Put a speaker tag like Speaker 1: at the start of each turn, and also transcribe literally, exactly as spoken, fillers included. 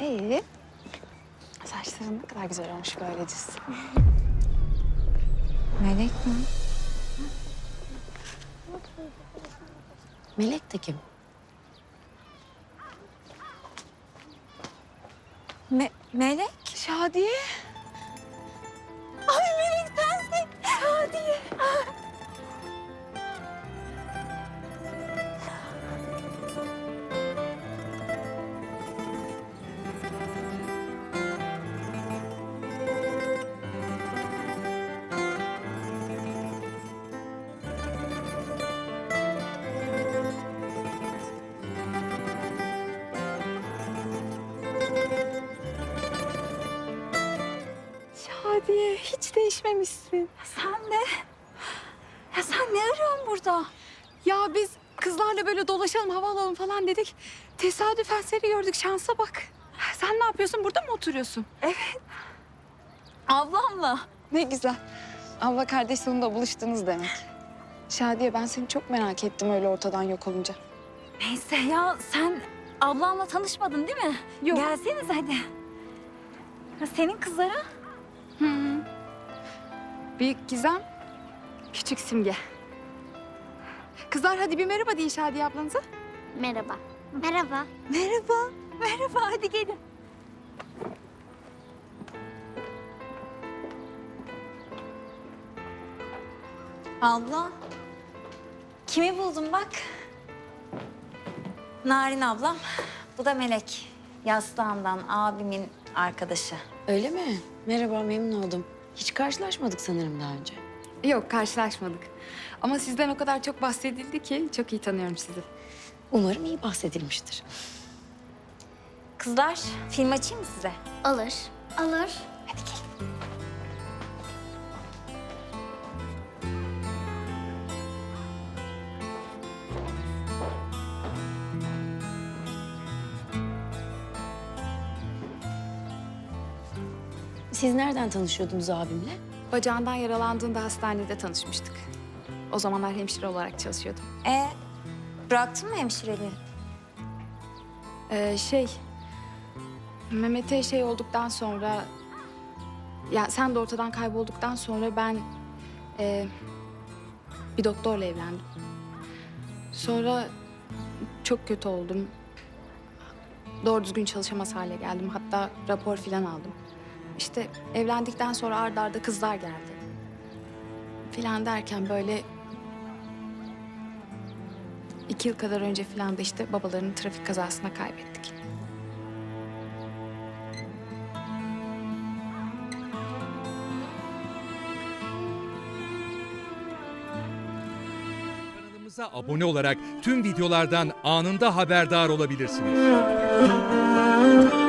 Speaker 1: İyi. Saçların ne kadar güzel olmuş böyleciz.
Speaker 2: Melek mi?
Speaker 3: Melek de kim?
Speaker 2: Me Melek?
Speaker 1: Şadiye.
Speaker 2: Ay Melek sensin. Şadiye.
Speaker 1: Şadiye hiç değişmemişsin.
Speaker 2: Sen de. Ya sen ne arıyorsun burada?
Speaker 1: Ya biz kızlarla böyle dolaşalım, hava alalım falan dedik. Tesadüfen seni gördük, şansa bak. Sen ne yapıyorsun? Burada mı oturuyorsun?
Speaker 2: Ablamla.
Speaker 1: Ne güzel. Abla kardeş sonunda buluştunuz demek. Şadiye ben seni çok merak ettim öyle ortadan yok olunca.
Speaker 2: Neyse ya sen ablamla tanışmadın değil mi?
Speaker 1: Yok.
Speaker 2: Gelseniz hadi. Ya senin kızlara?
Speaker 1: Hı. Büyük Gizem, küçük Simge. Kızlar hadi bir merhaba deyin Şadiye ablanıza.
Speaker 4: Merhaba. Merhaba.
Speaker 2: Merhaba. Merhaba hadi gelin. Abla. Kimi buldum bak. Narin ablam. Bu da Melek. Yastığımdan abimin arkadaşı.
Speaker 3: Öyle mi? Merhaba, memnun oldum. Hiç karşılaşmadık sanırım daha önce.
Speaker 1: Yok karşılaşmadık. Ama sizden o kadar çok bahsedildi ki çok iyi tanıyorum sizi.
Speaker 3: Umarım iyi bahsedilmiştir.
Speaker 2: Kızlar film açayım mı size?
Speaker 4: Alır. Alır.
Speaker 2: Hadi gelin.
Speaker 3: Siz nereden tanışıyordunuz abimle?
Speaker 1: Bacağından yaralandığında hastanede tanışmıştık. O zamanlar hemşire olarak çalışıyordum.
Speaker 2: E bıraktın mı hemşireliği?
Speaker 1: Ee, şey, Mehmet'e şey olduktan sonra... Ya sen de ortadan kaybolduktan sonra ben e, bir doktorla evlendim. Sonra çok kötü oldum. Doğru düzgün çalışamaz hale geldim. Hatta rapor falan aldım. İşte evlendikten sonra arda arda kızlar geldi. Filan derken böyle iki yıl kadar önce filan da işte babalarını trafik kazasına kaybettik.
Speaker 5: Kanalımıza abone olarak tüm videolardan anında haberdar olabilirsiniz.